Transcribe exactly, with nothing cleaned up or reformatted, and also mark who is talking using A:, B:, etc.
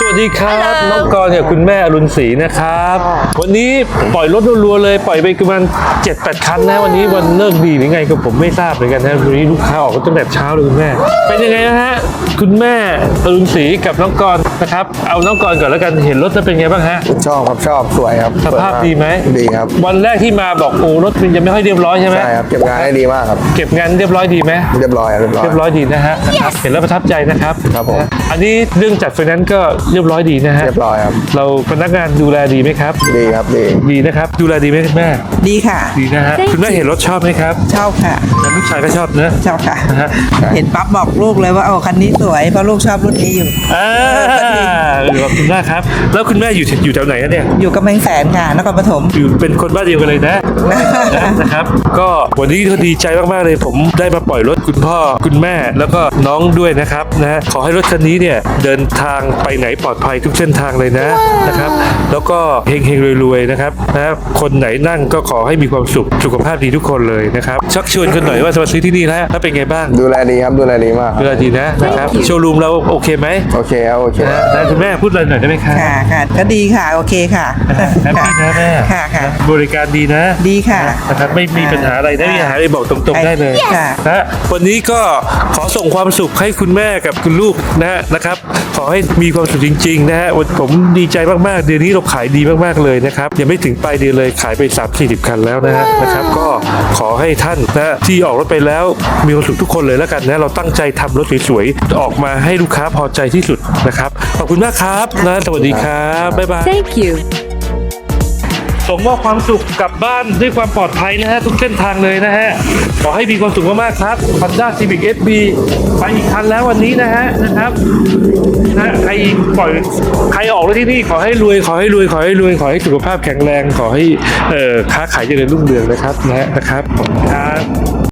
A: สวัสดีครับน้องกรณ์กับคุณแม่อรุณศรีนะครับวันนี้ปล่อยรถรัวๆเลยปล่อยไปประมาณเจ็ดแปดคันนะวันนี้วันเลิกดีหรือไงก็ผมไม่ทราบเหมือนกันนะวันนี้ลูกค้าออกตั้งแต่เช้าเลยคุณแม่เป็นยังไงนะฮะคุณแม่อรุณศรีกับน้องกรณ์นะครับเอาน้องกรณ์ก่อนแล้วกันเห็นรถแล้วเป็นไงบ้างฮะ
B: ชอบครับชอบสวยครับ
A: สภาพดีไหม
B: ดีครับ
A: วันแรกที่มาบอกโอ้รถมันยังไม่ค่อยเรียบร้อยใช่ไหม
B: ใช่ครับเก็บงานได้ดีมากครับ
A: เก็บงานเรียบร้อยดีไหม
B: เรียบร้อยครับเรียบร้อย
A: เรียบร้อยดีนะฮะนะครับเห็นแล้วประทับใจนะครับ
B: ครับผม
A: อันนี้เรื่องจัดไฟแนนซ์ก็เรียบร้อยดีนะฮะ
B: เรียบร้อยครับ
A: เราพนักงานดูแลดีไหมครับ
B: ดีครับดี
A: ดีนะครับดูแลดีไหมคุณแม่
C: ดีค่ะ
A: ดีนะฮะคุณแม่เห็นรถชอบไหมครับ
C: ชอบค่ะ
A: แล้วลูกชายก็ชอบนะ
C: ชอบค่ะ
A: นะฮะ
C: เห็นปั๊บบอกลูกเลยว่าโอ้คันนี้สวยเพราะลูกชอบรุ่นนี้อยู่
A: อ่าขอบคุณมากครับแล้วคุณแม่อยู่อยู่แถวไหนอะเนี่ย
C: อยู่กำแพงแสนค่ะนครปฐม
A: อยู่เป็นคนบ้านเดียวกันเลยนะ นะครับก็วันนี้ก็ดีใจมากๆเลยผมได้มาปล่อยรถคุณพ่อคุณแม่แล้วก็น้องด้วยนะครับนะขอให้รถคันนี้เนี่ยเดินทางไปไหนปลอดภัยทุกเส้นทางเลยนะนะครับแล้วก็เฮงๆรวยๆนะครับนะคนไหนนั่งก็ขอให้มีความสุขสุขภาพดีทุกคนเลยนะครับชักชวนกันหน่อยว่าจะมาซื้อที่นี่แล้วถ้าเป็นไงบ้าง
B: ดูแลดีครับดูแลดีมากค
A: เว
B: รับ
A: ลาดีนะนะครับโชว์รูมเราโอเคไหม
B: โอเคครับโอเค
A: นะนะคุณแม่พูดอะไรหน่อยได้ไหมครับ
C: ค่ะค่ะก็ดีค่ะโอเคค่ะ
A: แฮปปี้นะแม่
C: ค่ะค่ะ
A: บริการดีนะ
C: ดีค่ะ
A: นะครับไม่มีปัญหาอะไรนะมีปัญหาอะไรบอกตรงๆได้เลย
C: ค่ะ
A: นะวันนี้ก็ขอส่งความสุขให้คุณแม่กับคุณลูกนะนะครับขอให้มีความสุขจริงๆนะฮะวันผมดีใจมากๆเดือนนี้เราขายดีมากๆเลยนะครับยังไม่ถึงปลายเดือนเลยขายไปสามสี่สิบคันแล้วนะฮะนะครับก็ขอให้ท่านนะที่ออกรถไปแล้วมีความสุขทุกคนเลยแล้วกันนะเราตั้งใจทำรถสวยๆออกมาให้ลูกค้าพอใจที่สุดนะครับขอบคุณมากครับนะสวัสดีครับบ๊ายบาย
D: Thank you.
A: ส่งมอบความสุขกลับบ้านด้วยความปลอดภัยนะฮะทุกเส้นทางเลยนะฮะขอให้มีความสุขมากๆครับ Honda Civic เอฟ บี ไปอีกคันแล้ววันนี้นะฮะนะครับนะใครปล่อยใครออกรถที่นี่ขอให้รวยขอให้รวยขอให้รวยขอให้สุขภาพแข็งแรงขอให้เอ่อค้าขายเจริญรุ่งเรืองนะครับนะฮะนะครับขอบคุณครับ